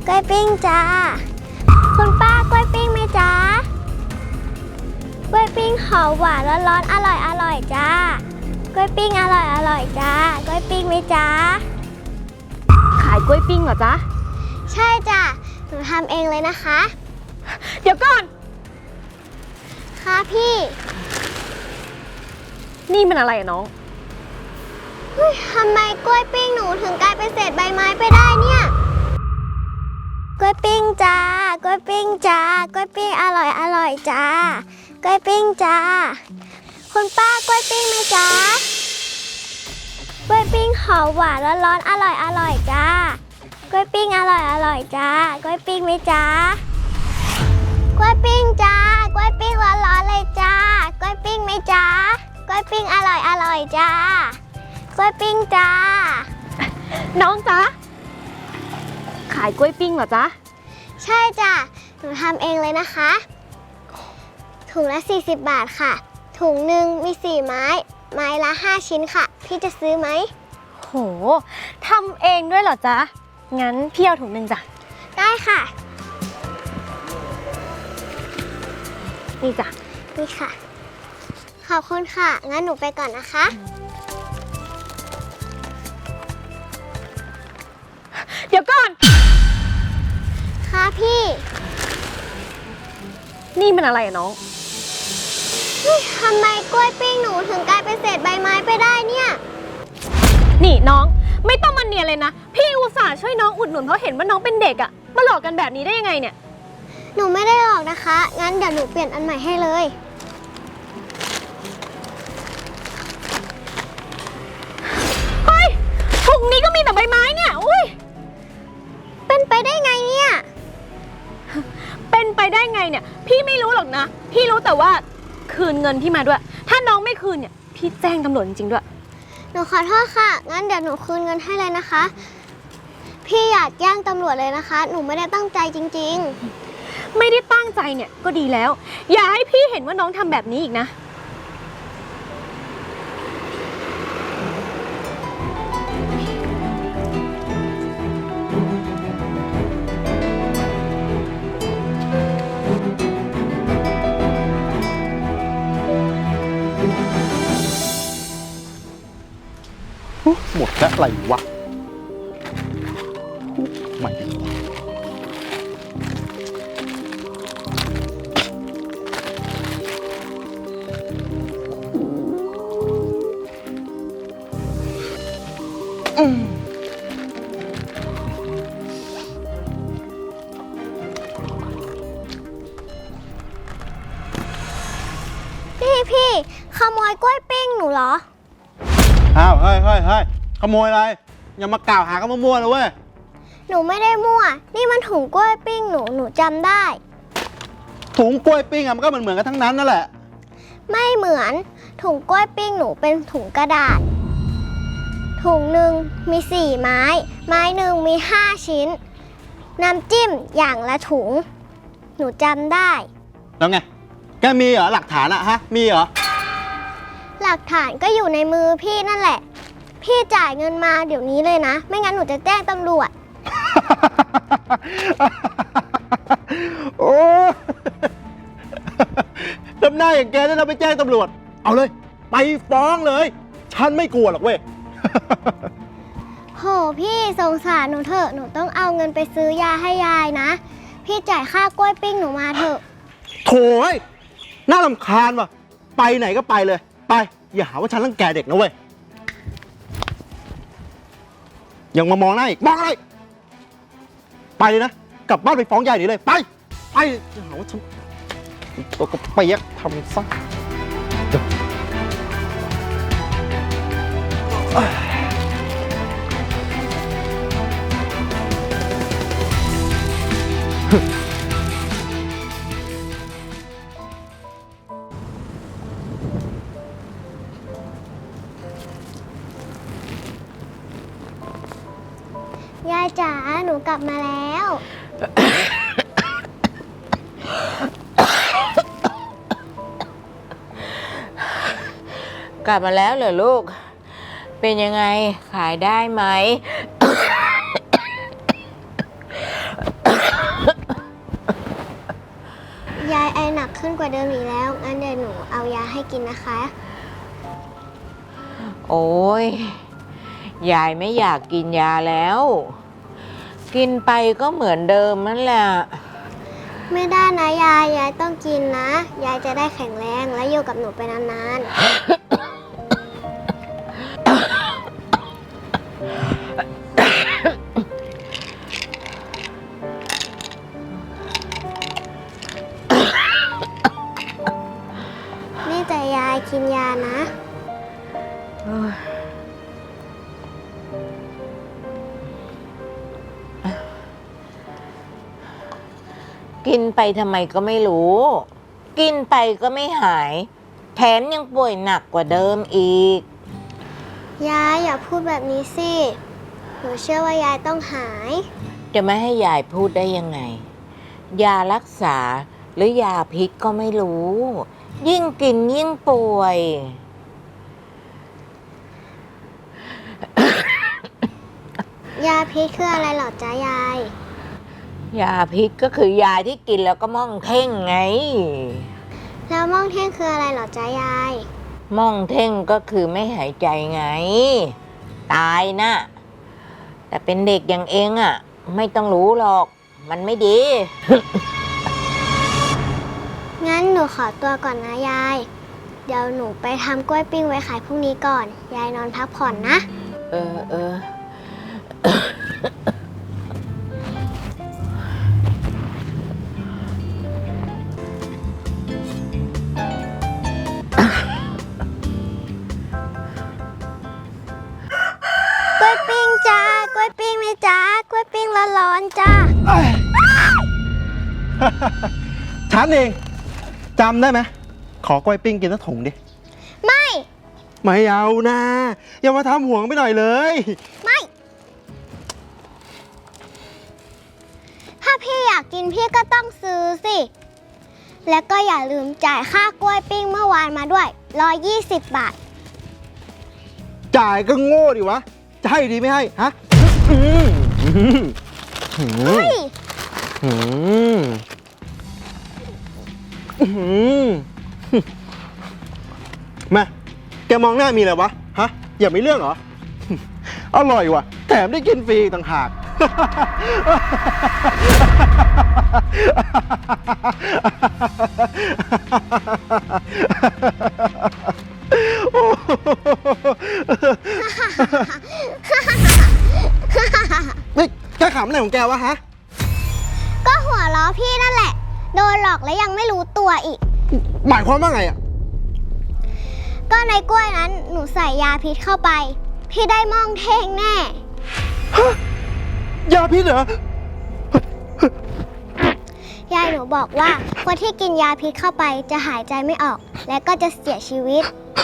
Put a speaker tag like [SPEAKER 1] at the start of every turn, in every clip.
[SPEAKER 1] กล้วยปิ้งจ้าคุณป้ากล้วยปิ้งไหมจ้ากล้วยปิ้งหอมหวานร้อนๆอร่อยจ้ากล้วยปิ้งอร่อยจ้ากล้วยปิ้งไหมจ้า
[SPEAKER 2] ขายกล้วยปิ้งเหรอจ๊ะ
[SPEAKER 1] ใช่จ้ะหนูทำเองเลยนะคะ
[SPEAKER 2] เดี๋ยวก่อน
[SPEAKER 1] ค่ะพี่
[SPEAKER 2] นี่มันอะไรอะน้อง
[SPEAKER 1] ทำไมกล้วยปิ้งหนูถึงกลายเป็นเศษใบไม้ไปได้เนี่ยกล้วยปิ้งจ้ากล้วยปิ้งจ้ากล้วยปิ้งอร่อยจ้ากล้วยปิ้งจ้าคุณป้ากล้วยปิ้งไหมจ้ากล้วยปิ้งหอมหวานร้อนๆอร่อยจ้ากล้วยปิ้งอร่อยจ้ากล้วยปิ้งไหมจ้ากล้วยปิ้งจ้ากล้วยปิ้งร้อนๆเลยจ้ากล้วยปิ้งไหมจ้ากล้วยปิ้งอร่อยจ้ากล้วยปิ้งจ้า
[SPEAKER 2] น้องจ๊ะขายกล้วยปิ้งเหรอจ๊ะ
[SPEAKER 1] ใช่จ้ะหนูทำเองเลยนะคะถุงละ40 บาทค่ะถุงหนึ่งมี4 ไม้ไม้ละ5 ชิ้นค่ะพี่จะซื้อไหม
[SPEAKER 2] โหทำเองด้วยเหรอจ๊ะงั้นพี่เอาถุงหนึ่งจ้ะ
[SPEAKER 1] ได้ค่ะ
[SPEAKER 2] นี่จ้ะ
[SPEAKER 1] นี่ค่ะขอบคุณค่ะงั้นหนูไปก่อนนะคะ
[SPEAKER 2] เดี๋ยวก่อน
[SPEAKER 1] ค่ะพี่
[SPEAKER 2] นี่มันอะไรอะน้อง
[SPEAKER 1] ทำไมกล้วยปิ้งหนูถึงกลายเป็นเศษใบไม้ไปได้เนี่ย
[SPEAKER 2] นี่น้องไม่ต้องมาเนียนเลยนะพี่อุตส่าห์ช่วยน้องอุดหนุนเพราะเห็นว่าน้องเป็นเด็กอะมาหลอกกันแบบนี้ได้ยังไงเนี่ย
[SPEAKER 1] หนูไม่ได้หลอกนะคะงั้นเดี๋ยวหนูเปลี่ยนอันใหม่ให้เลย
[SPEAKER 2] เฮ้ยถุงนี้ก็มีแต่ใบไม้เนี่ยอุ้ย
[SPEAKER 1] เป็นไปได้ไงเนี่ย
[SPEAKER 2] เป็นไปได้ไงเนี่ยพี่ไม่รู้หรอกนะพี่รู้แต่ว่าคืนเงินพี่มาด้วยถ้าน้องไม่คืนเนี่ยพี่แจ้งตำรวจจริงๆด้วย
[SPEAKER 1] หนูขอโทษค่ะงั้นเดี๋ยวหนูคืนเงินให้เลยนะคะพี่อยากแจ้งตำรวจเลยนะคะหนูไม่ได้ตั้งใจจริง
[SPEAKER 2] ๆไม่ได้ตั้งใจเนี่ยก็ดีแล้วอย่าให้พี่เห็นว่าน้องทำแบบนี้อีกนะ
[SPEAKER 3] หมดแล้วอะไรวะไม่
[SPEAKER 1] พี่ขโมยกล้วยปิ้งหนูเหรอ
[SPEAKER 3] อ้าวเฮ้ยขโมยอะไรอย่ามากล่าวหากันมั่วๆนะเว้ย
[SPEAKER 1] หนูไม่ได้มั่วนี่มันถุงกล้วยปิ้งหนูจำได้
[SPEAKER 3] ถุงกล้วยปิ้งอะมันก็เหมือนกันทั้งนั้นนั่นแหละ
[SPEAKER 1] ไม่เหมือนถุงกล้วยปิ้งหนูเป็นถุงกระดาษถุงหนึ่งมี4 ไม้ไม้หนึ่งมี5 ชิ้นน้ำจิ้มอย่างละถุงหนูจำได้
[SPEAKER 3] แล้วไงแกมีเหรอหลักฐานอะฮะมีเหรอ
[SPEAKER 1] หลักฐานก็อยู่ในมือพี่นั่นแหละพี่จ่ายเงินมาเดี๋ยวนี้เลยนะไม่งั้นหนูจะแจ้งตำรวจ
[SPEAKER 3] โอ้ทำหน้าอย่างแกเนี่ยเราไปแจ้งตำรวจเอาเลยไปฟ้องเลยฉันไม่กลัวหรอกเว้ย
[SPEAKER 1] โหพี่สงสารหนูเถอะหนูต้องเอาเงินไปซื้อยาให้ยายนะพี่จ่ายค่ากล้วยปิ้งหนูมาเถอะ
[SPEAKER 3] โถ่น่ารำคาญว่ะไปไหนก็ไปเลยไปอย่าหาว่าฉันรังแกเด็กนะเว้ยยังมามองหน้าอีกมองอะไรไปเลยนะกลับบ้านไปฟ้องยายหนีเลยไปอย่าหาว่าฉันตัวก็เปียกทำซะ
[SPEAKER 1] ยายจ๋าหนูกลับมาแล้ว
[SPEAKER 4] กลับมาแล้วเหรอลูกเป็นยังไงขายได้ไหม
[SPEAKER 1] กขึ้นกว่าเดิมอีกแล้ว งั้นเดี๋ยวหนูเอายาให้กินนะคะ
[SPEAKER 4] โอ้ยยายไม่อยากกินยาแล้ว กินไปก็เหมือนเดิมนั่นแหละ
[SPEAKER 1] ไม่ได้นะยายต้องกินนะ ยายจะได้แข็งแรงและอยู่กับหนูไปนานๆ นี่แต่ยายกินยานะ
[SPEAKER 4] กินไปทำไมก็ไม่รู้ กินไปก็ไม่หาย แถมยังป่วยหนักกว่าเดิมอีก
[SPEAKER 1] ยายอย่าพูดแบบนี้สิ หนูเชื่อว่ายายต้องหาย
[SPEAKER 4] จะไม่ให้ยายพูดได้ยังไง ยารักษาหรือยาพิษก็ไม่รู้ ยิ่งกินยิ่งป่วย
[SPEAKER 1] ยาพิษคืออะไรเหรอจ๊ะยาย
[SPEAKER 4] ยาพิษก็คือยาที่กินแล้วก็ม่องเท่งไง
[SPEAKER 1] แล้วม่องเท่งคืออะไรเหรอจ๊ะยาย
[SPEAKER 4] ม่องเท่งก็คือไม่หายใจไง ตายนะแต่เป็นเด็กอย่างเองอ่ะ ไม่ต้องรู้หรอก มันไม่ดี
[SPEAKER 1] งั้นหนูขอตัวก่อนนะยาย เดี๋ยวหนูไปทำกล้วยปิ้งไว้ขายพรุ่งนี้ก่อน ยายนอนพักผ่อนนะ
[SPEAKER 4] เออ
[SPEAKER 1] กล้วยปิ้งจ้ากล้วยปิ้งไหมจ้ากล้วยปิ้งร้อนๆจ้า
[SPEAKER 3] ฉันเองจำได้ไหมขอกล้วยปิ้งกินสักถุงดิ
[SPEAKER 1] ไม่
[SPEAKER 3] ไม่เอานะ อย่ามาทำห่วงไปหน่อยเลย
[SPEAKER 1] ไม่ ถ้าพี่อยากกินพี่ก็ต้องซื้อสิ แล้วก็อย่าลืมจ่ายค่ากล้วยปิ้งเมื่อวานมาด้วย120 บาท
[SPEAKER 3] จ่ายก็โง่ดิวะ จะให้ดีไม่ให้ ฮะอืมอืมอืม
[SPEAKER 1] เฮ้ย
[SPEAKER 3] อืมอืมแม่แกมองหน้ามีอะไรวะ ฮะ อย่ามีเรื่องเหรอ อร่อยว่ะ แถมได้กินฟรีต่างหาก นี่แกขำอะไรของแกวะฮะ
[SPEAKER 1] ก็หัวล้อพี่นั่นแหละ โดนหลอกแล้วยังไม่รู้ตัวอีก
[SPEAKER 3] หมายความว่าไงอ่ะ
[SPEAKER 1] ก็ในกล้วยนั้นหนูใส่ยาพิษเข้าไป พี่ได้ม่องเท่งแน่
[SPEAKER 3] ยาพิษเหรอ
[SPEAKER 1] ยายหนูบอกว่าคนที่กินยาพิษเข้าไปจะหายใจไม่ออก และก็จะเสียชีวิต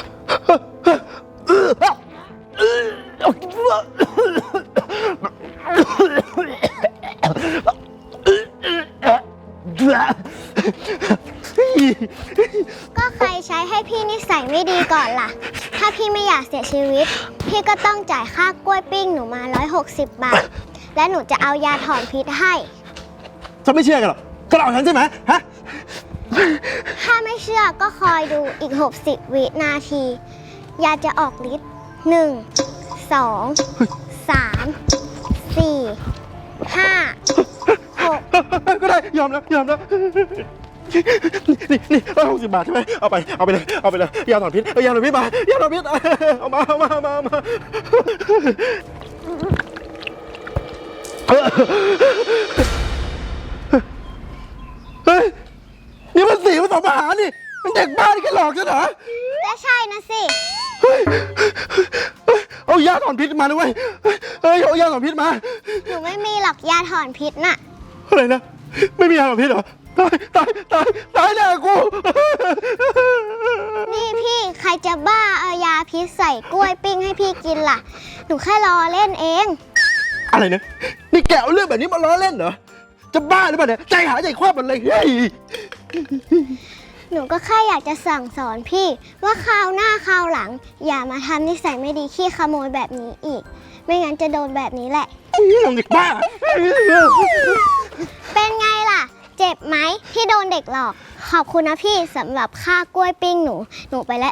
[SPEAKER 1] ก็ใครใช้ให้พี่นิสัยไม่ดีก่อนล่ะ ถ้าพี่ไม่อยากเสียชีวิต พี่ก็ต้องจ่ายค่ากล้วยปิ้งหนูมา160 บาท และหนูจะเอายาถอนพิษให้
[SPEAKER 3] ฉันไม่เชื่อกันหรอกแกหลอกฉันใช่ไหมฮะ
[SPEAKER 1] ถ้าไม่เชื่อก็คอยดูอีก60 วินาที ยาจะออกฤทธิ์1 2 3 4 5 6
[SPEAKER 3] ก็ได้ยอมแล้วนี่160 บาทใช่ไหมเอาไปเลยยาถอนพิษยาถอนพิษมายาถอนพิษเอามาเฮ้ยนี่มันสีผสมอาหารนี่มันเด็กบ้าที่แกหลอกฉันเหรอ
[SPEAKER 1] ก็ใช่นะสิ
[SPEAKER 3] เอายาถอนพิษมาด้วยเอายาถอนพิษมา
[SPEAKER 1] หนูไม่มีหรอกยาถอนพิษน่ะ
[SPEAKER 3] อะไรนะไม่มียาถอนพิษเหรอตายแน่กู
[SPEAKER 1] นี่พี่ใครจะบ้าเอายาพิษใส่กล้วยปิ้งให้พี่กินล่ะ หนูแค่ล้อเล่นเอง
[SPEAKER 3] อะไรนะนี่แกเอาเรื่องแบบนี้มาล้อเล่นเหรอจะบ้าหรือเปล่าเนี่ยใจหายใจคว้ามันเลยเฮ้ย
[SPEAKER 1] หนูก็แค่อยากจะสั่งสอนพี่ว่าคราวหน้าคราวหลัง อย่ามาทำนิสัยไม่ดีขี้ขโมยแบบนี้อีก ไม่งั้นจะโดนแบบนี้แหละ
[SPEAKER 3] ลงเด็กบ้า
[SPEAKER 1] เป็นไงล่ะ เจ็บไหมที่โดนเด็กหลอกขอบคุณนะพี่สำหรับค่ากล้วยปิ้งหนูไปแล้ว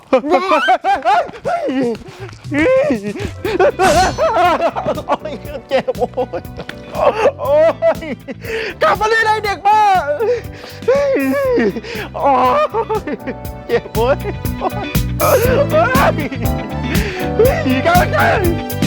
[SPEAKER 3] โอ้ยเจ็บโอ้ยกลับมาเลยเด็กบ้าโอ้ยเจ็บโอ้ยโอ้ยกลับมา